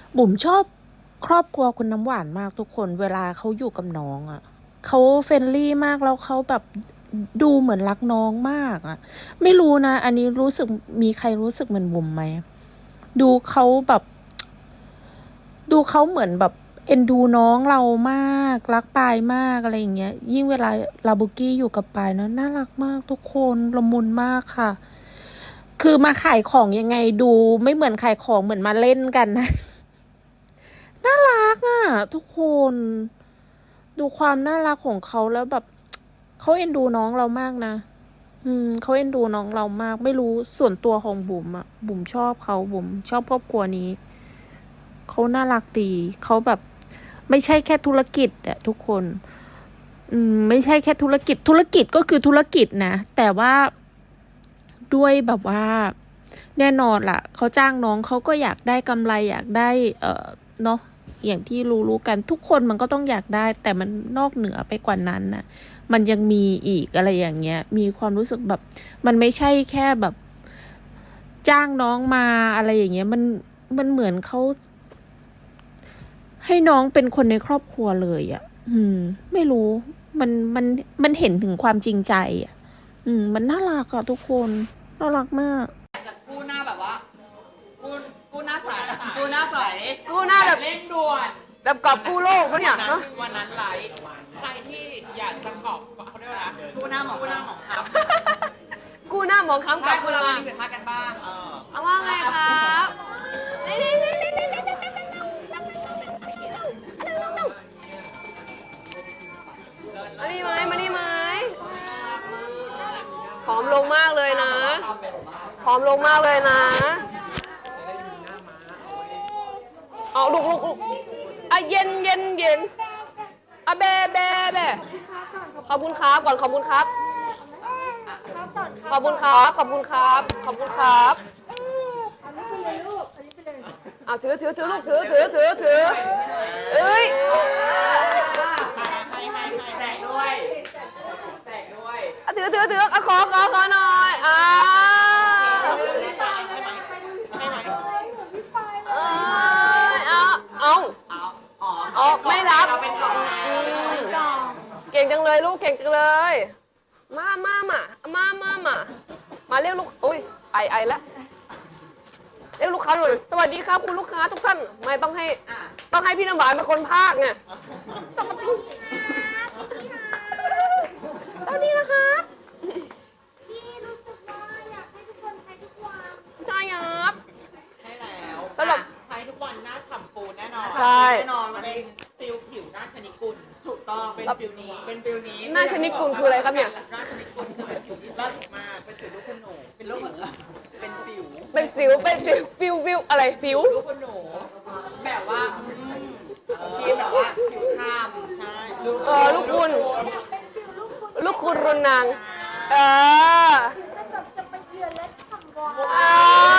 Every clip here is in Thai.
บุ๋มชอบครอบครัวคุณน้ำหวานมากทุกคนเวลาเขาอยู่กับน้องอ่ะเขาเฟรนลี่มากแล้วเขาแบบดูเหมือนรักน้องมากอ่ะไม่รู้นะอันนี้รู้สึกมีใครรู้สึกเหมือนบุ๋มไหมดูเขาแบบดูเขาเหมือนแบบเอ็นดูน้องเรามากรักปายมากอะไรอย่างเงี้ยยิ่งเวลาลาบุกี้อยู่กับปายเนาะน่ารักมากทุกคนละมุนมากค่ะคือมาขายของยังไงดูไม่เหมือนขายของเหมือนมาเล่นกันนะ น่ารักอ่ะทุกคนดูความน่ารักของเขาแล้วแบบเขาเอ็นดูน้องเรามากนะเขาเอ็นดูน้องเรามากไม่รู้ส่วนตัวของบุ๋มอ่ะบุ๋มชอบเขาบุ๋มชอบครอบครัวนี้เขาน่ารักดีเขาแบบไม่ใช่แค่ธุรกิจอะทุกคนไม่ใช่แค่ธุรกิจก็คือธุรกิจนะแต่ว่าด้วยแบบว่าแน่นอนล่ะเขาจ้างน้องเขาก็อยากได้กำไรอยากได้เนาะอย่างที่รู้กันทุกคนมันก็ต้องอยากได้แต่มันนอกเหนือไปกว่านั้นนะมันยังมีอีกอะไรอย่างเงี้ยมีความรู้สึกแบบมันไม่ใช่แค่แบบจ้างน้องมาอะไรอย่างเงี้ยมันเหมือนเขาให้น้องเป็นคนในครอบครัวเลยอ่ะไม่รู้มันเห็นถึงความจริงใจอ่ะมันน่ารักอะทุกคนน่ารักมากจากกู้หน้าแบบว่ากู้หน้าใสกู้หน้าใสกู้หน้าแบบเร่งด่วนแบบกอบกู้โลกเขาเนี่ยเนอะวันนั้นไลฟ์ใครที่อยากจะเกาะเขาเรียกว่าอะไรกู้หน้าหมอกู้หน้าหมองคำกู้หน้ามองค้ำใช่กับคคุณนเรามามีผิดพลาดกันบ้างเอาว่าไงครับมานี่ไหมมานี่ไหมผอมลงมากเลยนะผอมลงมากเลยนะเอาลุกอ่ะเย็นอ่ะเบขอบคุณครับก่อนขอบคุณครับขอบคุณครับเอาถือลูกถือเอ้ยแตกด้วยแตกด้วยถือขอหน่อยเอาไม่รับเก่งจังเลยลูกเก่งจังเลยมาเรียกลูกอุ้ยไอแล้วเรียกลูกค้าหน่อยสวัสดีครับคุณลูกค้าทุกท่านไม่ต้องให้พี่น้ำหวานเป็นคนพากไงต้องมาพี่สวัสดีนะครับพี่รู้สึกว่าอยากให้ทุกคนใช้ทุกวันใช่ครับใช่แล้วสำหรับใช้ทุกวันหน้าฉ่ำปูแน่นอนใช่แน่นอนวันเป็นี้นฟิลผิวหน้าชนิดกุลถูกต้องเป็นฟิลนี้เป็นฟิลนี้หน้าชนิดกุลคืออะไรครับเนี่ยหน้าชนิดกุลคือเป็นผิวที่สวยมากเป็นผิวลูกคุณหนูเป็นลูกเป็นฟิวเป็นสิวฟิวอะไรผิวลูกคุณหนูแบบว่าทีมแบบว่าผิวช่ำใช่ลูกคุณรุนนางกระจกจะไปเยือนและฉ่ำวาว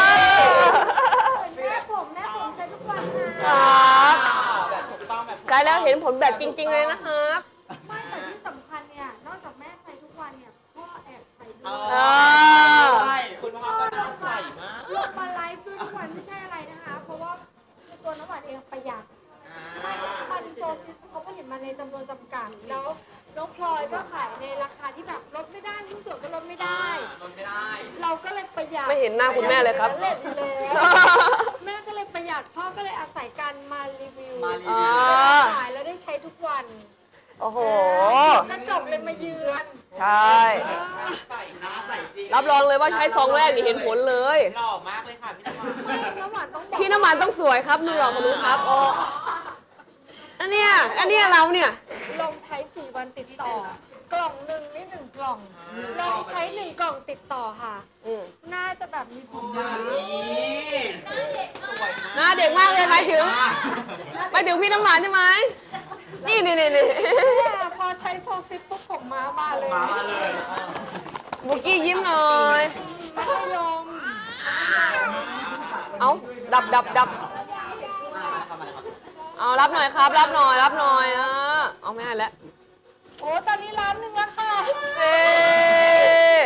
แม่ผมใช้ทุกวันนะแบบถูกต้องแบบใช้แล้วเห็นผลแบบจริงๆเลยนะครับไม่แต่ที่สำคัญเนี่ยนอกจากแม่ใช้ทุกวันเนี่ยพ่อแอบใช้ด้อ๋วอยใช่คุณพ่อก็น่าใส่มากลงมาไลฟ์ด้วยทุกวันไม่ใช่อะไรนะคะ เพราะว่าตัวน้ำหวานเองประหยัดมันโซซิสเขาผลิตมาในจำนวนจำกัดแล้วน้องพลอยก็ขายในราคาที่แบบลดไม่ได้ทุกส่วนก็ลดไม่ได้ลดไม่ได้เราก็เลยประหยัดไม่เห็นหน้าคุณแม่เลยครับเล่นอยู่แล้วแม่ก็เลยประหยัดพ่อก็เลยอาศัยการมารีวิวอ๋อขายแล้วได้ใช้ทุกวันโอ้โหกระจกเลยมาเยือนใช่ใส่หน้าใส่จริงรับรองเลยว่าใช้ซองแรกนี่เห็นผลเลยหล่อมากเลยค่ะพี่น้ำหวานน้ำหวานต้องบอกพี่น้ำมันต้องสวยครับนุ่นหรอกคุณนุ้ครับโอ้อันเนี้ยเราเนี่ยลองใช้4 วันติดต่อ กล่องหนึ่งนี่1 กล่องลองใช้1 กล่องติดต่อค่ะ น่าจะแบบมีผลดีหน้าเด็กมากเลยหมายถึงพี่น้ำหวานใช่ไหมนี่แต่พอใช้โซซิปปุ๊บผมมาเลยบุกกี้ยิ้มหน่อยมัธยมเอาดับเอารับหน่อยครับรับหน่อยเอาไม่ให้แล้วโอ้ตอนนี้1 ล้านแล้วค่ะเอ๊ะ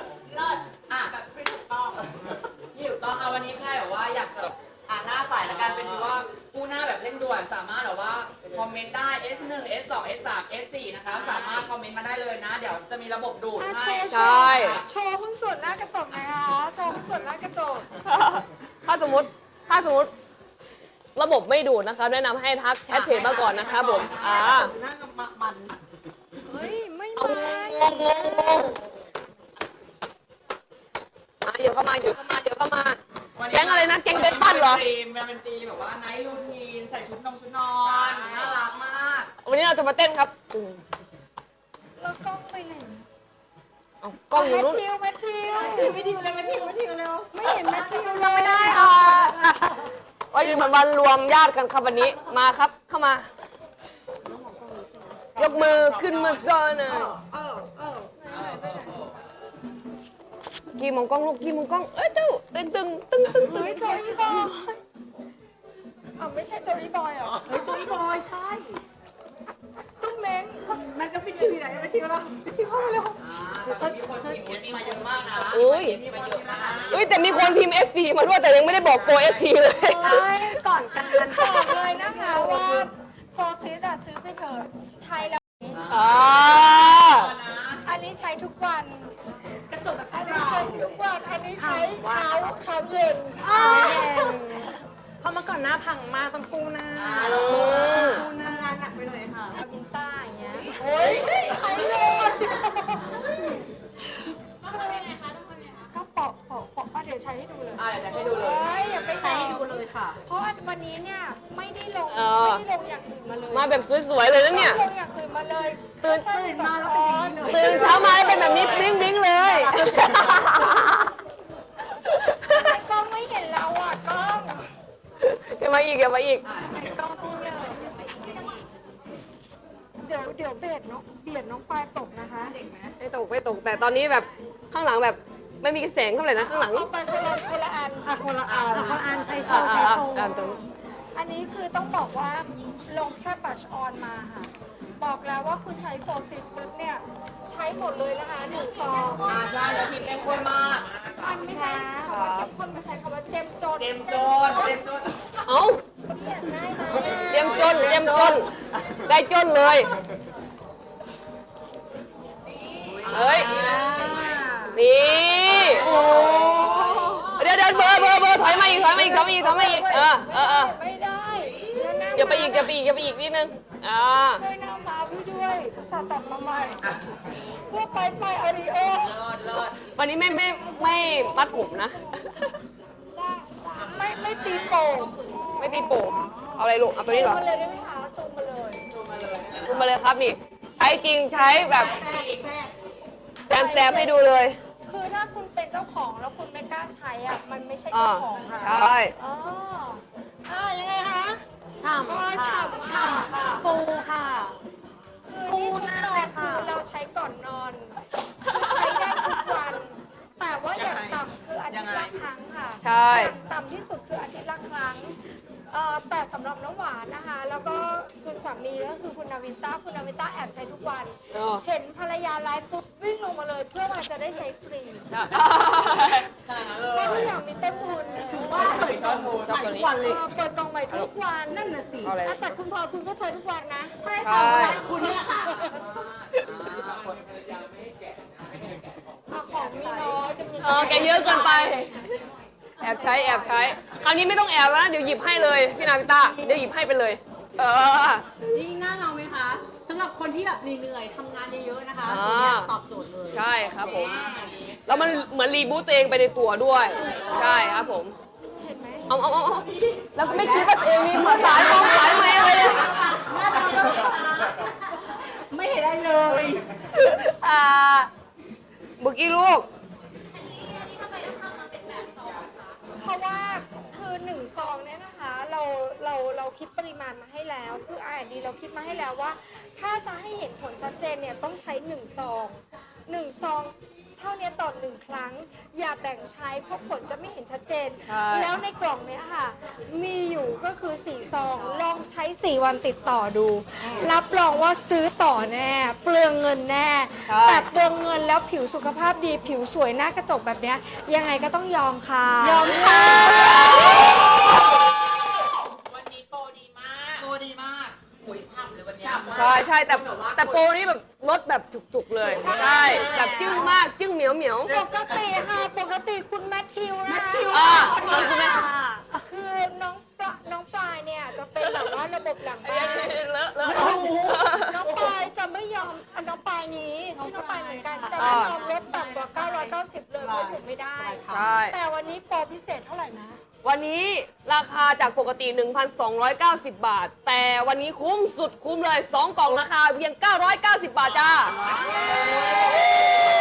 อ่ะที่ถูกต้องเอาวันนี้แค่แบบว่าอยากจะหน้าใสแล้วกันเป็นว่ากู้หน้าแบบเร่งด่วนสามารถแบบว่าคอมเมนต์ได้ S1 S2 S3 S4 นะคะสามารถคอมเมนต์มาได้เลยนะ เดี๋ยวจะมีระบบดูดอ่ะให้โชว์โชว์หุ้นส่วนหน้ากระจกหนะคะโชว์หุ้นส่วนหน้ากระจกถ้าสมมติระบบไม่ดูดนะคะแนะนำให้ทักแชทเพจมาก่อนนะครับผมหน้ากับมันเฮ้ย ไม่เอามางงเดี๋ยวเข้ามา แก๊งอะไรนะ แก๊งเบสปั้นเหรอมันเป็นตีแบบว่าไนท์รูทีนใส่ชุดนอนน่ารักมากวันนี้เราจะมาเต้นครับแล้วกล้องไปไหนเอากล้องอยู่นู้นแมทธิวไม่ดีเลยไม่ทิ้งเร็วไม่เห็นแมทธิวเลยไม่ได้ค่ะวันนี้เหมือนวันรวมญาติกันครับวันนี้มาครับเข้ามา ยกมือขึ้นมาโซนน่ะกี่มองกล้องลูกกี่มองกล้องเอ้ยตึ้งเฮ้ยโจอีบอยอ้าวไม่ใช่โจอีบอยเหรอเฮ้ยตัวอีบอยใช่ตุ้มเม้งมันก็ไปทีไหนไปทีแล้วไปทีเข้าเร็วมีคนพิมพ์ S มาเยอะมากนะอุ้ยมีมาเยอะมากอุ้ยแต่มีคนพิมพ์ SC มาด้วยแต่ยังไม่ได้บอกโปร SC เลยก่อนกันบอกเลยนะคะว่าโซซิสอะซื้อไปเถอะใช้แล้ว อันนี้ใช้ทุกวันกระจกแบบอันนี้ใช้ทุกวัน อันนี้ใช้เช้าเย็นเพราะเมื่อก่อนหน้าพังมากต้องกู้หน้าทำงานหนักไปหน่อยค่ะอาวินต้าอย่างเงี้ยโอ้ยใช้เลยก็ปอกเดี๋ยวใช้ให้ดูเลยเดี๋ยวให้ดูเลยเฮ้ยอย่าไปใช้ให้ดูเลยค่ะเพราะวันนี้เนี่ยไม่ได้ลงอย่างอื่นมาเลยมาแบบสวยๆเลยนะเนี่ยไม่ลงอย่างอื่นมาเลยตื่นมาแล้วเป็นอย่างนี้เลยตื่นเช้ามาแล้วเป็นแบบนี้บลิ้งๆเลยกล้องไม่เห็นเราอ่ะกล้องอย่ามาอีกเดี๋ยวเบียดน้องปลายตกนะคะเด็กไหมไม่ตกแต่ตอนนี้แบบข้างหลังแบบไม่มีแสงเท่าไหร่นะข้างหลังเอาไปคนละอันคนละอันเขาอ่านใช้โชอ่านตรงอันนี้คือต้องบอกว่าลงแค่บัชออนมาค่ะ บอกแล้วว่าคุณใช้โซซิสปุ๊บเนี่ยใช้หมดเลยนะคะ1 ซองใช่แล้วพิมพ์เป็นคนมากมันไม่ใช่คำว่าเข้มข้นมันใช้คำว่าเจ็มจนเต็มโจนเอ้าเนี่ยได้ไหมเตรียมจนได้จนเลยเฮ้ยนี่เดี๋ยวเบอร์ถอยมาอีกไม่ได้แล้วหน้าอย่าไปอีกนิดนึงด้วยหน้ามาพี่ด้วยอุตส่าห์ตัดมาใหม่เพื่อไปอาริโอวันนี้ไม่มัดผมนะไม่ตีโป่งไม่ตีโป่งเอาอะไรลูกเอาตัวนี้เหรอมาเลยได้ไหมคะซูมมาเลยดูมาเลยครับนี่ใช้จริงใช้แบบแซมให้ดูเลยคือถ้าคุณเป็นเจ้าของแล้วคุณไม่กล้าใช้อ่ะมันไม่ใช่อ่าเจ้าของค่ะใช่อ๋อยังไงคะฉ่อ๋อำค่ะฉ่ำค่ะฟูค่ะคือนี่ชุดนอนคือเราใช้ก่อนนอนคือใช้ได้ทุกวัน แต่ว่าอย่างต่ำคืออาทิตย์ละครั้งค่ะใช่อย่างต่ำที่สุดคืออาทิตย์ละครั้งแต่สำหรับน้ำหวานนะคะ แล้วก็คุณสามีก็คือคุณนาวินต้าแอบใช้ทุกวัน เห็นภรรยาไลฟ์ปุ๊บวิ่งลงมาเลยเพื่อมาจะได้ใช้ฟรีเพราะทุกอย่างมีต้นทุนว่าเปิดกล้องใหม่ทุกวันเลยเปิดกล่องใหม่ทุกวันนั่นน่ะสิเอาอะไรแต่คุณพอคุณก็ใช้ทุกวันนะ ใช่ใช่คุณเนี่ยค่ะของมีน้อยจะมีแกเยอะเกินไป แอบใช้คราวนี้ไม่ต้องแอบแล้วนะเดี๋ยวหยิบให้เลยพี่นาวิต้าเดี๋ยวหยิบให้ไปเลยนี่หน้าเงาไหมคะสำหรับคนที่แบบเหนื่อยๆทำงานเยอะๆนะคะอ่าตัวเนี้ยตอบโจทย์เลยใช่ครับผม แล้วมันเหมือนรีบูตตัวเองไปในตัวด้วย ใช่ครับผมเห็นไหมเอาแล้วก็ไม่คิดว่าตัวเองมีมือสายมองสายมาอะไรเลยไม่เห็นได้เลยบุกี้ลูกเพราะว่าคือ1 ซองเนี่ยนะคะเราคิดปริมาณมาให้แล้วคือ R&D เราคิดมาให้แล้วว่า ถ้าจะให้เห็นผลชัดเจนเนี่ยต้องใช้1 ซอง1 ซองเท่านี้ต่อ1 ครั้ง อย่าแบ่งใช้เพราะผลจะไม่เห็นชัดเจนใช่แล้วในกล่องเนี้ยค่ะ มีอยู่ก็คือ4 ซองลองใช้4 วันติดต่อดู รับรองว่าซื้อต่อแน่ เปลืองเงินแน่ใช่แต่เปลืองเงินแล้วผิวสุขภาพดีผิวสวยหน้ากระจกแบบเนี้ยยังไงก็ต้องยอมค่ะยอมค่ะใช่ใช่แต่โปรนี่แบบลดแบบจุกๆเลยใช่แบบจึ้งมากจึ้งเหมียวเหมียวปกติค่ะปกติคุณแมทธิวนะคะขอบคุณแม่คือน้องปลายเนี่ยจะเป็นแบบว่าระบบหลังบ้านเลอะเลอะน้องปลายจะไม่ยอมน้องปลายนี้ชื่อน้องปลายเหมือนกันจะไม่ยอมลดต่ำกว่า 990 เลยเพราะอยู่ไม่ได้ใช่แต่วันนี้โปรพิเศษเท่าไหร่นะวันนี้ราคาจากปกติ 1,290 บาท แต่วันนี้คุ้มสุดคุ้มเลย 2 กล่องราคาเพียง 990 บาทจ้า